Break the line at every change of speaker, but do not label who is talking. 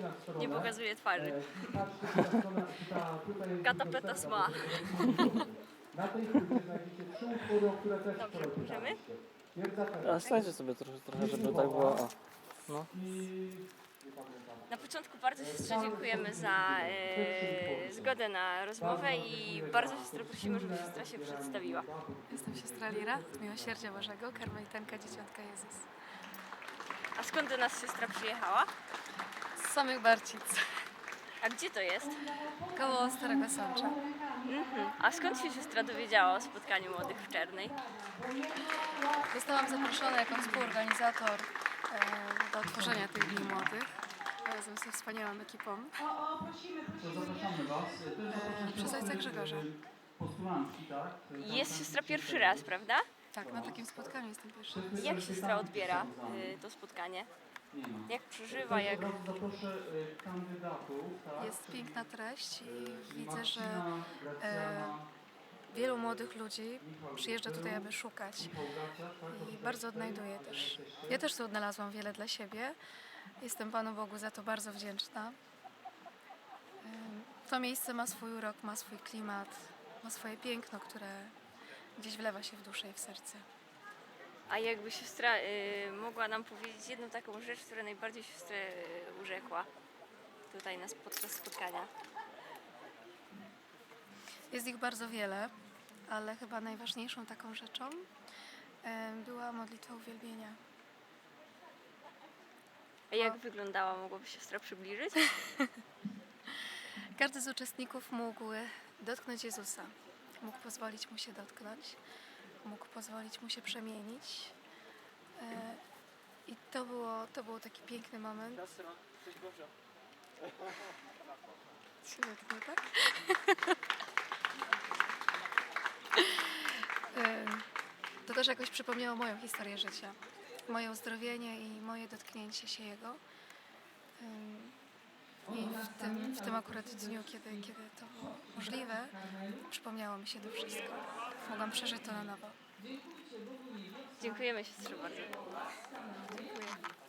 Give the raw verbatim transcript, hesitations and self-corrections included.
Nie pokazuje twarzy. Katapeta sma.
Na tej płycie znajdziecie trzy utwory, o które też
Dobrze,
wczoraj
możemy?
pytaliście.
A stańcie sobie trochę, trochę żeby tak było. O. No.
Na początku bardzo siostrze dziękujemy za e, zgodę na rozmowę i bardzo siostrę prosimy, żeby siostra się przedstawiła.
Jestem siostra Lira z Miłosierdzia Bożego, karmelitanka Dzieciątka Jezus.
A skąd do nas siostra przyjechała?
Z samych Barcic,
A gdzie to jest?
koło Starego Sącza.
Mhm. A skąd się siostra dowiedziała o spotkaniu młodych w Czernej?
Zostałam zaproszona jako współorganizator e, do otworzenia tych Dni Młodych razem ze wspaniałą ekipą.
Zapraszamy Was. To jest zaproszenie
Przez ojca Grzegorza.
postulantki, tak?
Jest siostra pierwszy raz, prawda?
Tak, na takim spotkaniu jestem pierwsza.
Jak siostra odbiera y, to spotkanie?
Nie ma.
Jak przeżywa, jak...
Teraz zaproszę y, kandydatów, tak?
Jest piękna treść i widzę, że
Marcina, Gracjana,
wielu młodych ludzi przyjeżdża tutaj, aby szukać
Michał Graciak, tak?
i bardzo odnajduję też. Ja też tu odnalazłam wiele dla siebie. Jestem Panu Bogu za to bardzo wdzięczna. Ym, To miejsce ma swój urok, ma swój klimat, ma swoje piękno, które gdzieś wlewa się w duszę i w serce.
A jakby siostra y, mogła nam powiedzieć jedną taką rzecz, która najbardziej siostrę y, urzekła tutaj nas podczas spotkania.
Jest ich bardzo wiele, ale chyba najważniejszą taką rzeczą ym, była modlitwa uwielbienia.
A jak wyglądała, mogłaby siostra przybliżyć?
Każdy z uczestników mógł dotknąć Jezusa, mógł pozwolić Mu się dotknąć, mógł pozwolić Mu się przemienić. E, I to, było, to był taki piękny moment. Się dotknę, tak? E, To też jakoś przypomniało moją historię życia, moje uzdrowienie i moje dotknięcie się Jego. Ym, I w tym, w tym akurat dniu, kiedy, kiedy to było możliwe, przypomniało mi się to wszystko. Mogłam przeżyć to na nowo.
Dziękujemy siostrze bardzo.
Dziękuję.